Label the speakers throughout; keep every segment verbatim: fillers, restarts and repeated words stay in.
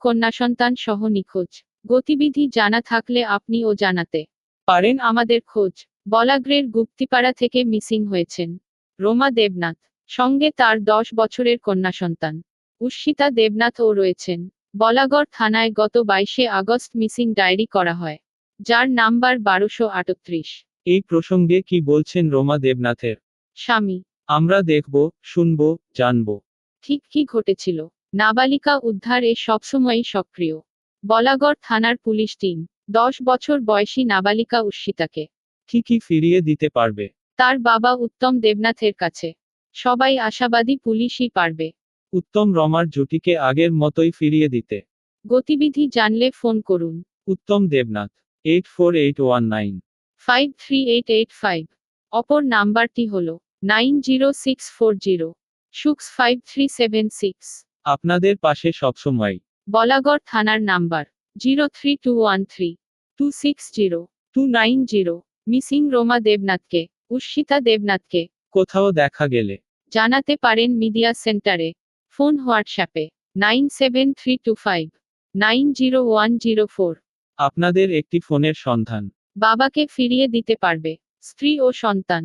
Speaker 1: কন্যা সন্তান সহ নিখোঁজ। গতিবিধি জানা থাকলে আপনিও জানাতে পারেন আমাদের খোঁজ। বলাগ্রের গুপ্তিপাড়া থেকে মিসিং হয়েছেন রোমা দেবনাথ, সঙ্গে তার দশ বছরের কন্যা সন্তান উর্ষিতা দেবনাথও রয়েছেন। বলাগড় থানায় গত বাইশে আগস্ট মিসিং ডায়েরি করা হয়, যার নাম্বার বারোশো আটত্রিশ।
Speaker 2: এই প্রসঙ্গে কি বলছেন রোমা দেবনাথের
Speaker 1: স্বামী?
Speaker 2: আমরা দেখব, শুনব, জানব।
Speaker 1: ঠিক কি ঘটেছিল? নাবালিকা উদ্ধারে সবসময়ই সক্রিয় বলাগড় থানার পুলিশ টিম। দশ বছর বয়সী নাবালিকা উর্ষিতাকে
Speaker 2: কি কি ফিরিয়ে দিতে পারবে
Speaker 1: তার বাবা উত্তম দেবনাথের কাছে। সবাই আশাবাদী পুলিশই পারবে।
Speaker 2: উত্তম রমার জুটিকে আগের মতোই ফিরিয়ে দিতে।
Speaker 1: গতিবিধি জানলে ফোন করুন
Speaker 2: Uttam Debnath eight four eight one nine
Speaker 1: five three eight eight five. অপর নাম্বারটি হল nine zero six four zero six five three seven six.
Speaker 2: আপনাদের পাশে সবসময়।
Speaker 1: বলাগড় থানার number zero three two one three two six zero two nine zero. Missing Roma দেবনাথকে, উর্ষিতা দেবনাথকে
Speaker 2: কোথাও দেখা গেলে
Speaker 1: জানাতে পারেন মিডিয়া সেন্টারে। ফোন হোয়াটসঅ্যাপে nine seven three two five nine zero one zero four.
Speaker 2: আপনাদের একটি ফোনের সন্ধান
Speaker 1: বাবাকে ফিরিয়ে দিতে পারবে স্ত্রী ও সন্তান।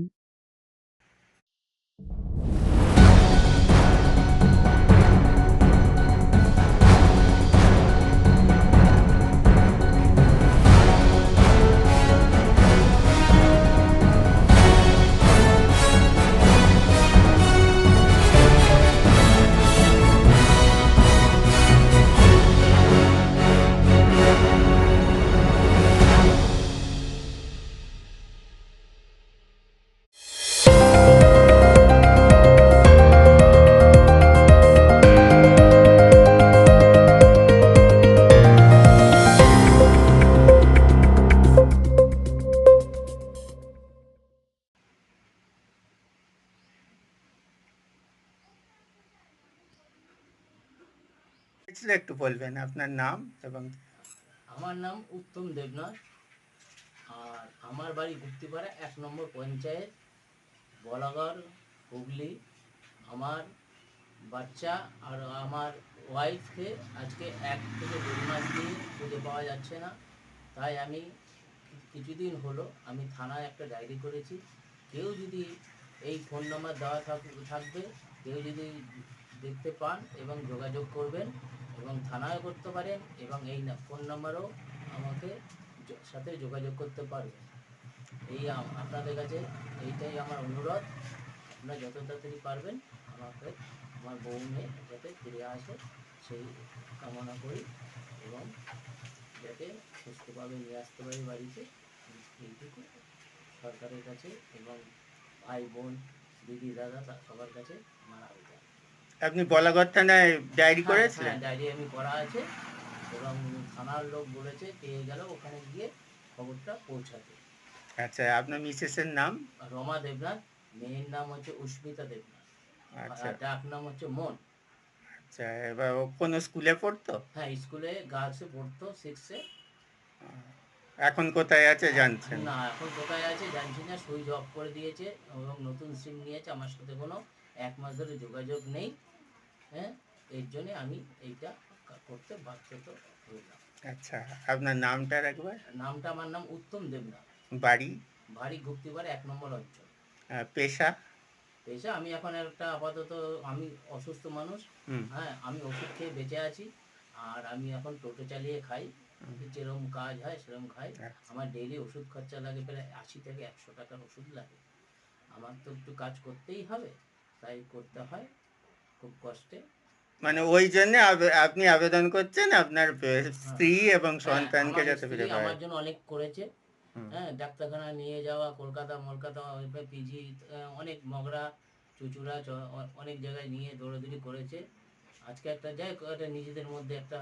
Speaker 3: একটু বলবেন আপনার নাম এবং?
Speaker 4: আমার নাম উত্তম দেবনাথ, আর আমার বাড়ি গুপ্তিপাড়া এক নম্বর পঞ্চায়েত, বলাগড়, হুগলি। আমার বাচ্চা আর আমার ওয়াইফকে আজকে এক থেকে দেড় মাস দিয়ে খুঁজে পাওয়া যাচ্ছে না। তাই আমি কিছুদিন হলো আমি থানায় একটা ডায়েরি করেছি। কেউ যদি এই ফোন নাম্বার দেওয়া থাকবে, কেউ যদি দেখতে পান এবং যোগাযোগ করবেন, এবং থানায় করতে পারেন, এবং এই ফোন নাম্বারও আমাকে সাথে যোগাযোগ করতে পারবেন। এই আপনাদের কাছে এইটাই আমার অনুরোধ। আপনারা যত তাড়াতাড়ি পারবেন আমাকে আমার বউ মেয়ে যাতে ফিরে আসে সেই কামনা করি, এবং যাতে সুস্থভাবে নিয়ে আসতে পারি বাড়িতে, এইটুকু সরকারের কাছে এবং ভাই বোন দিদি দাদা সবার কাছে আমার আবেদন।
Speaker 3: আপনি বলাগড় থানায় ডায়েরি করেছিলেন?
Speaker 4: হ্যাঁ, ডায়েরি আমি করা আছে, এবং থানার লোক বলেছে পেয়ে গেল ওখানে গিয়ে খবরটা পৌঁছাতে।
Speaker 3: আচ্ছা, আপনার মিসেসের নাম?
Speaker 4: রমা দেবনাথ, মেয়ের নাম হচ্ছে উস্মিতা দেবনাথ,
Speaker 3: আচ্ছা,
Speaker 4: ডাক নাম হচ্ছে মন।
Speaker 3: আচ্ছা, এবার ও কোন স্কুলে পড়তো?
Speaker 4: হ্যাঁ, স্কুলে গার্লসে পড়তো, সিক্সে।
Speaker 3: এখন কোথায় আছে জানছেন
Speaker 4: না? এখন কোথায় আছে জানছি না, সুইচ অফ করে দিয়েছে এবং নতুন সিম নিয়েছে। আমার সাথে কোনো এক মাস ধরে যোগাযোগ নেই। হ্যাঁ, এর জন্যে আমি এইটা করতে বাধ্য হইলাম।
Speaker 3: আচ্ছা, আপনার নামটা একবার?
Speaker 4: নামটা আমার নাম উত্তম দেবনাথ।
Speaker 3: বাড়ি?
Speaker 4: বাড়ি গুপ্তিপাড়া এক নম্বর অঞ্চল।
Speaker 3: পেশা?
Speaker 4: পেশা আমি এখন একটা আপাতত আমি অসুস্থ মানুষ। হ্যাঁ, আমি ওষুধ খেয়ে বেঁচে আছি, আর আমি এখন টোটো চালিয়ে খাই। যেরকম কাজ হয় সেরকম খাই। আমার ডেইলি ওষুধ খরচা লাগে প্রায় আশি থেকে একশো টাকার ওষুধ লাগে। আমার তো একটু কাজ করতেই হবে, তাই করতে হয় খুব কষ্টে।
Speaker 3: মানে ওই জন্য আপনি আবেদন করছেন আপনার স্ত্রী এবং সন্তানকে যাতে ফিরে পায়।
Speaker 4: আমার জন্য অনেক করেছে। হ্যাঁ, ডাক্তারখানা নিয়ে যাওয়া, কলকাতা মলকাতা পিজি, অনেক মগরা চুচুড়া অনেক জায়গায় নিয়ে দৌড়াদৌড়ি করেছে। আজকে একটা যাই একটা নিজেদের মধ্যে একটা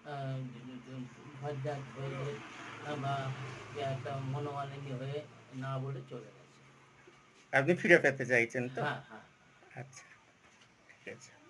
Speaker 4: ভদ্রাট হয়ে বা একটা মনোমালিন্য হয়ে না বলে চলে গেছে।
Speaker 3: আপনি ফিরে পেতে চাইছেন তো?
Speaker 4: হ্যাঁ, হ্যাঁ।
Speaker 3: আচ্ছা, ঠিক আছে।